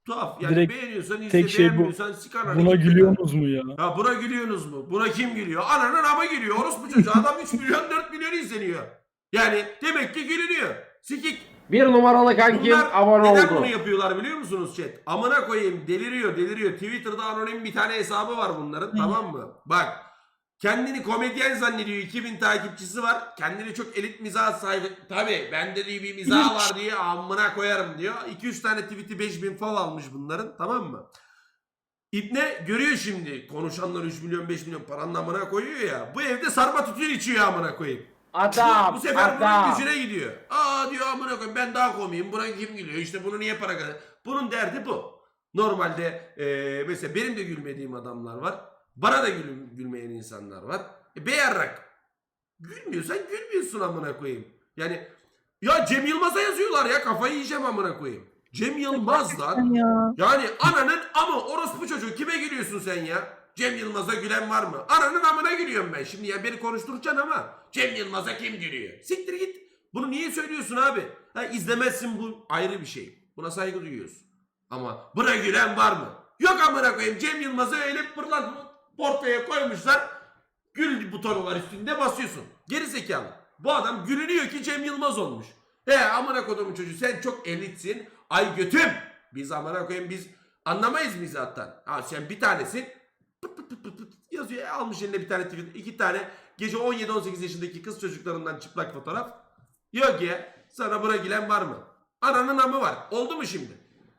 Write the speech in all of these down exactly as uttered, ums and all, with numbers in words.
Tuhaf. Yani Direkt beğeniyorsan izle, tek şey bu. beğenmiyorsan sikana. Buna gülüyorsunuz mu ya? Ha buna gülüyorsunuz mu? Buna kim gülüyor? Ananın ama gülüyor. Orospu çocuğu. Adam üç milyon dört milyon izleniyor. Yani demek ki gülünüyor. Sikik. Bir numaralı kankim Bunlar abone neden oldu. bunu yapıyorlar biliyor musunuz chat? Amına koyayım deliriyor deliriyor. Twitter'da anonim bir tane hesabı var bunların, tamam mı? Bak kendini komedyen zannediyor. iki bin takipçisi var. Kendini çok elit mizah sahibi. Tabi bende de bir mizah var diye amına koyarım diyor. iki üç tane tweet'i beş bin fav almış bunların, tamam mı? İbne görüyor şimdi konuşanlar üç milyon beş milyon paranın amına koyuyor ya. Bu evde sarma tütün içiyor amına koyayım. Adam, Bu sefer adam. bunun gücüne gidiyor. Aa diyor amına koyayım ben daha komiyim. Buna kim gülüyor? İşte bunu niye para kadar? Bunun derdi bu. Normalde e, mesela benim de gülmediğim adamlar var. Bana da gül, gülmeyen insanlar var. E, beyarrak. Gülmüyorsan gülmüyorsun amına koyayım. Yani ya Cem Yılmaz'a yazıyorlar ya, kafayı yiyeceğim amına koyayım. Cem Yılmaz lan. Ya. Yani ananın ama orospu çocuğu, kime gülüyorsun sen ya? Cem Yılmaz'a gülen var mı? Ananın amına gülüyorum ben. Şimdi ya beni konuşturacaksın ama Cem Yılmaz'a kim gülüyor? Siktir git. Bunu niye söylüyorsun abi? Ha, izlemezsin, bu ayrı bir şey. Buna saygı duyuyoruz. Ama buna gülen var mı? Yok amına koyayım. Cem Yılmaz'ı öyle pırlant portaya koymuşlar. Gül butonu var üstünde, basıyorsun. Geri zekalı. Bu adam gülünüyor ki Cem Yılmaz olmuş. He amına kodumun çocuğu, sen çok elitsin. Ay götüm. Biz amına koyayım biz anlamayız mizahtan. Ha sen bir tanesin. Pıt pıt pıt pıt pıt yazıyor. E, almış eline bir tane tweet. iki tane gece on yedi on sekiz yaşındaki kız çocuklarından çıplak fotoğraf. Yok ya. Sana buna gülen var mı? Ananın amı var. Oldu mu şimdi?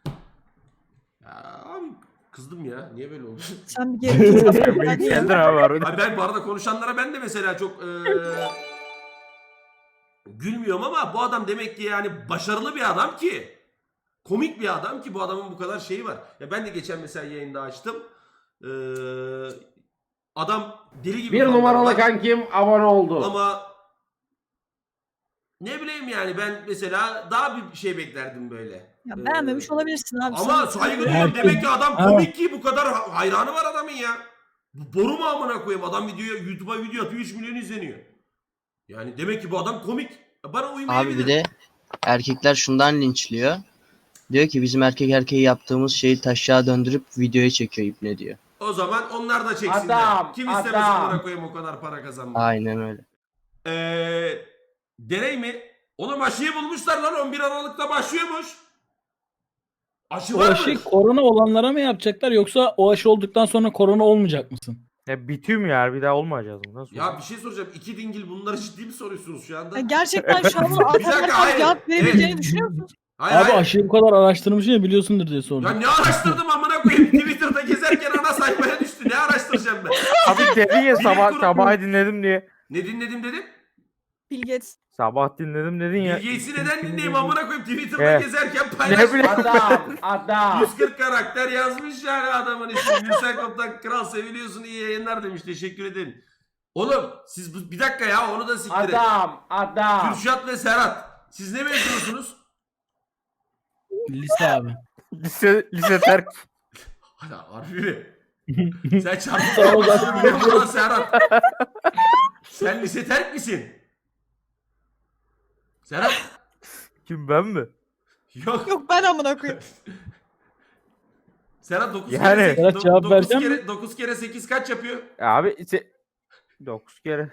Ya abi kızdım ya. Niye böyle oldu? Sen bir geri tut. Hadi ya. Geldin abi arada. Abi ben bu arada konuşanlara ben de mesela çok eee, gülmüyorum ama bu adam demek ki yani başarılı bir adam ki, komik bir adam ki bu adamın bu kadar şeyi var. Ya ben de geçen mesela yayında açtım. Eee, adam deli gibi Bir fanlar numaralı var. kankim abone oldu. Ama ne bileyim yani ben mesela daha bir şey beklerdim böyle. Ya beğenmemiş Eee, olabilirsin abi. Ama Sana- saygı duyuyorum. Herkes- Demek ki adam Ha. komik ki bu kadar hayranı var adamın ya. Bu boru mu amına koyayım? Adam videoya, YouTube'a video atıyor, üç milyon izleniyor. Yani demek ki bu adam komik. Bana uymayabilir. Abi bir de erkekler şundan linçliyor. Diyor ki bizim erkek erkeği yaptığımız şeyi taşağa döndürüp videoya çekiyor ibne diyor. O zaman onlar da çeksinler. Adam, Kim istemez adam. amına koyayım o kadar para kazanmak. Aynen öyle. Eee deney mi? Oğlum aşıyı bulmuşlar lan, on bir Aralık'ta başlıyormuş. Aşı O var mı? aşı korona olanlara mı yapacaklar yoksa o aşı olduktan sonra korona olmayacak mısın? Ya bitiyor mu ya? Bir daha olmayacağız mı? Nasıl? Ya bir şey soracağım. İki dingil bunları ciddi mi soruyorsunuz şu anda? Ya gerçekten şu an Bir dakika, alternatif hayır. cevap verebileceğini Evet. düşünüyor musun? Hayır, Abi hayır. aşıyı bu kadar araştırmışsın ya biliyorsundur diye Ya sordum. ne araştırdım amına koyayım? Twitter'da gezerken ana sayfaya düştü. Ne araştıracağım ben? Abi dedin ya sabah Bilim sabah dinledim diye. Ne dinledim dedim? Bill Gates. Sabah dinledim dedin ya. Bilgisi neden dinleyeyim amına koyayım? Twitter'da Evet. gezerken Ne paylaştım. bileyim. Adam, adam. yüz kırk karakter yazmış yani adamın ismi. Gülsen Koptan kral seviliyorsun, iyi yayınlar demiş. Teşekkür ederim. Oğlum siz bu, bir dakika ya onu da siktir et. Adam, adam. Kürşat ve Serhat. Siz ne mezunusunuz? Lise abi. Lise, lise terk. Hala harbi mi? Sen Sağ ol, çarpıksın lan Serhat. Sen lise terk misin? Serhat. Kim ben mi? Yok. Yok ben amına koyayım. Serhat dokuz Yani- kere Serhat sekiz, cevap dokuz verecek kere, dokuz kere sekiz kaç yapıyor? Abi ise dokuz kere.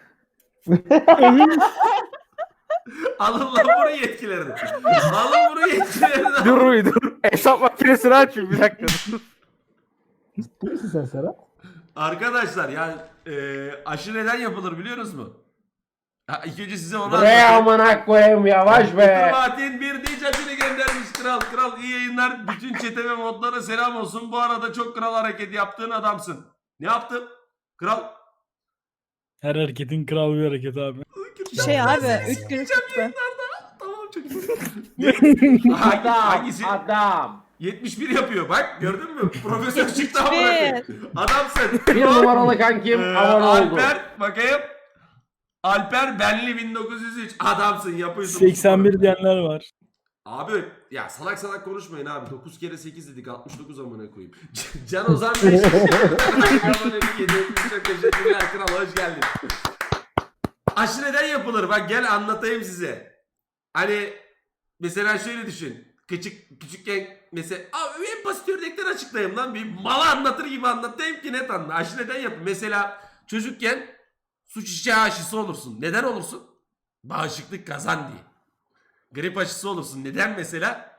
Alın lan bunu yetkilerini. Alın bunu yetkilerini. Dur bir dur. Hesap makinesini açayım bir dakika. Kimsin sen Serhat? Arkadaşlar ya e, aşı neden yapılır biliyorsunuz mu? Ha, ilk önce size onu Buraya anlatayım. amına koyayım yavaş be. Fatih'in bir dicatini göndermiş kral. Kral iyi yayınlar. Bütün çete ve modlara selam olsun. Bu arada çok kral hareket yaptığın adamsın. Ne yaptın? Kral. Her hareketin kral bir hareket abi. Şey abi üç gün tuttu. Tamam çocuk. Hangi, Adam, hangisi? adam. yetmiş bir yapıyor bak gördün mü? Profesör çıktı amına koyayım. Adamsın. Bir numaralı kankim Ee, abone oldu. Alper bakayım. Alper Benli bin dokuz yüz üç. Adamsın yapıyorsun. seksen bir diyenler var. Abi ya salak salak konuşmayın abi. dokuz kere sekiz dedik altmış dokuz amına koyayım. Can Ozan beş. Çok teşekkürler kral hoş geldin. Aşı neden yapılır? Bak gel anlatayım size. Hani mesela şöyle düşün. küçük küçükken mesela abi en basit örnekler açıklayayım lan bir mala anlatır gibi anlatayım ki net anla. Aşı neden yapın? Mesela çocukken su çiçeği aşısı olursun. Neden olursun? Bağışıklık kazan diye. Grip aşısı olursun. Neden mesela?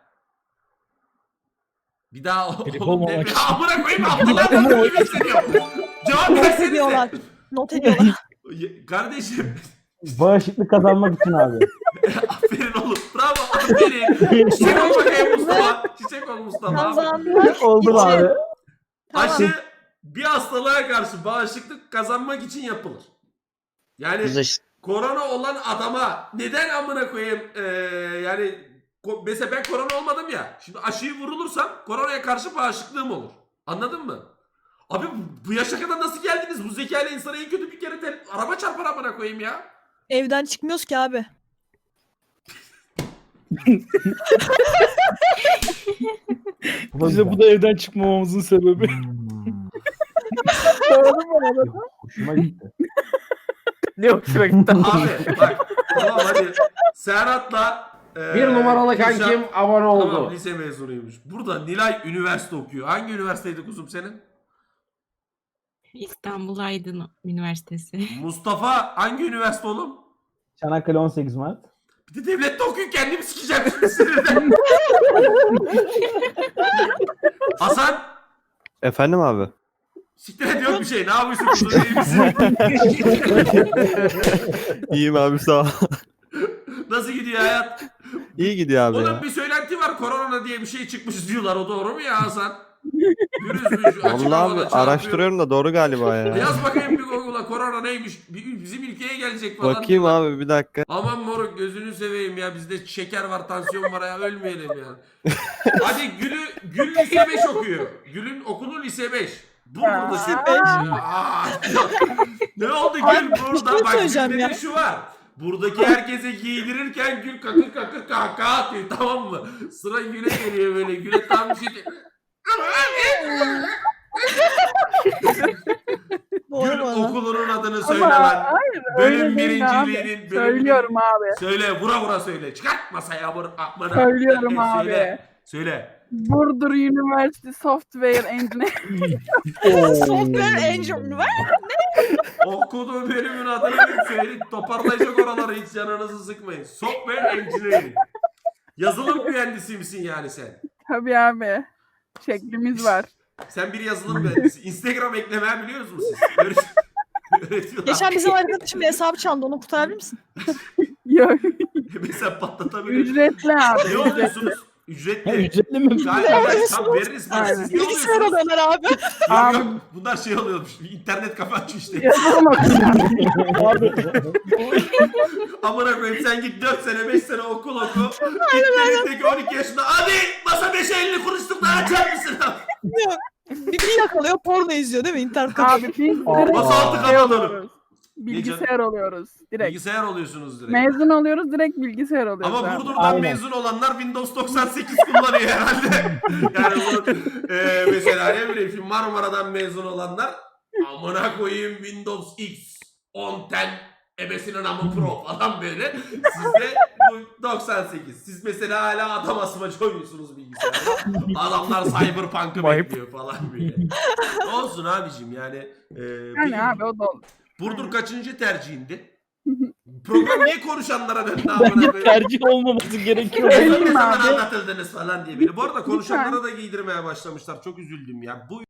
Bir daha Grip oğlum olmamak ne- için. Amına koyayım Abdullah gibi hissediyorum. Cevap Not versenize. ediyorlar. Not ediyorlar. Kardeşim Bağışıklık kazanmak için abi. aferin oğlum. Bravo aferin. Çiçek ol bakayım Mustafa. Çiçek ol Mustafa. Kazanmak Oldum için. abi. Tamam. Aşı bir hastalığa karşı bağışıklık kazanmak için yapılır. Yani Biz aşı- korona olan adama neden amına koyayım eee, yani ko- mesela ben korona olmadım ya. Şimdi aşıyı vurulursam koronaya karşı bağışıklığım olur. Anladın mı? Abi bu- bu yaşa kadar nasıl geldiniz? Bu zekayla insana en kötü bir kere de araba çarpar amına koyayım ya. Evden çıkmıyoruz ki abi. Bize bu da evden çıkmamamızın sebebi. Hoşuma gitti. Ne hoşuna gitti. Abi bak tamam hadi Serhat'la eee, Bir numaralı Kürşat- kankim abone oldu. Tamam lise mezunuymuş. Burada Nilay üniversite okuyor. Hangi üniversiteydi kuzum senin? İstanbul Aydın Üniversitesi. Mustafa hangi üniversite oğlum? Çanakkale on sekiz Mart. Bir de devlette okuyor kendimi sikeceğim şimdi sinirden. Hasan Efendim abi. siktir ediyor bir şey. Ne yapıyorsun burada iyi misin? İyiyim abi sağ ol. Nasıl gidiyor hayat? İyi gidiyor abi Oğlum ya. bir söylenti var korona diye bir şey çıkmış diyorlar. O doğru mu ya Hasan? Pürüzmüş. açık Vallahi havada abi çarpıyor. araştırıyorum da doğru galiba ya. Yaz bakayım bir Google'a korona neymiş? Bir- Bizim ülkeye gelecek falan. Bakayım abi bir dakika. Aman moruk gözünü seveyim ya bizde şeker var tansiyon var ya ölmeyelim ya. Hadi Gül'ü Gül lise beş okuyor. Gül'ün okulu lise beş. Bu burada şu. Aa, ne oldu Gül burada? şey Bak söyleyeceğim Gül'de ya. de şu var. Buradaki herkese giydirirken Gül kakır kakır kahkaha atıyor tamam mı? Sıra Gül'e geliyor böyle. Gül'e tam bir şey... Doğru Gül bu arada. okulunun adını söyle lan. Bölüm birinciliğinin bölüm Söylüyorum abi. Söyle vura vura söyle. Çıkart masaya vur. Akmana. Söylüyorum Söyle, abi. Söyle. Söyle. Burdur University Software Engineering. Software Engine var. Okuduğu bölümün adını bir söyle. Toparlayacak oraları hiç canınızı sıkmayın. Software Engineering. Yazılım mühendisi misin yani sen? Tabii abi. Şeklimiz var. Sen bir yazılım mühendisi. Instagram eklemeyi biliyor musunuz siz? Öğret- Öğretiyorlar. Geçen bizim arkadaşım bir hesabı çaldı. Onu kurtarabilir misin? Yok. Mesela patlatabilir. Ücretli abi. Ne oluyorsunuz? Ücretli. Ha, ücretli mi? Galiba tam veririz bak siz ne Bilgisayar oluyorsunuz? alıyorlar abi. Yok, Abi- yok, bunlar şey oluyormuş. İnternet kafe açıyor işte. Yazılım okuyacağım. Amına koyayım sen git dört sene beş sene okul oku. İnternette on iki yaşında hadi masa beşe elli kuruşluk daha açar mısın? Bir yakalıyor porno izliyor değil mi? İnternet kafe. Abi biz direkt Masa altı şey kapalı. oluyoruz. Bilgisayar oluyoruz. Direkt. Bilgisayar oluyorsunuz direkt. Mezun oluyoruz direkt bilgisayar oluyoruz Ama abi. Burdur'dan Aynen. mezun olanlar Windows doksan sekiz kullanıyor herhalde. Yani bu e, mesela ne bileyim şimdi Marmara'dan mezun olanlar amına koyayım Windows X on on ebesinin amı pro falan böyle. Sizde bu doksan sekiz. Siz mesela hala adam asmacı oynuyorsunuz bilgisayarda. Adamlar Cyberpunk'ı Ayıp. bekliyor falan böyle. Olsun abicim yani. E, Yani peki, abi o da olur. Burdur kaçıncı tercihindi? Program niye konuşanlara döndü Bence amına koyayım? tercih olmaması gerekiyor. Söyleyeyim Ne zaman abi. anlatıldınız falan diye biri. Bu arada konuşanlara Lütfen. da giydirmeye başlamışlar. Çok üzüldüm ya. Bu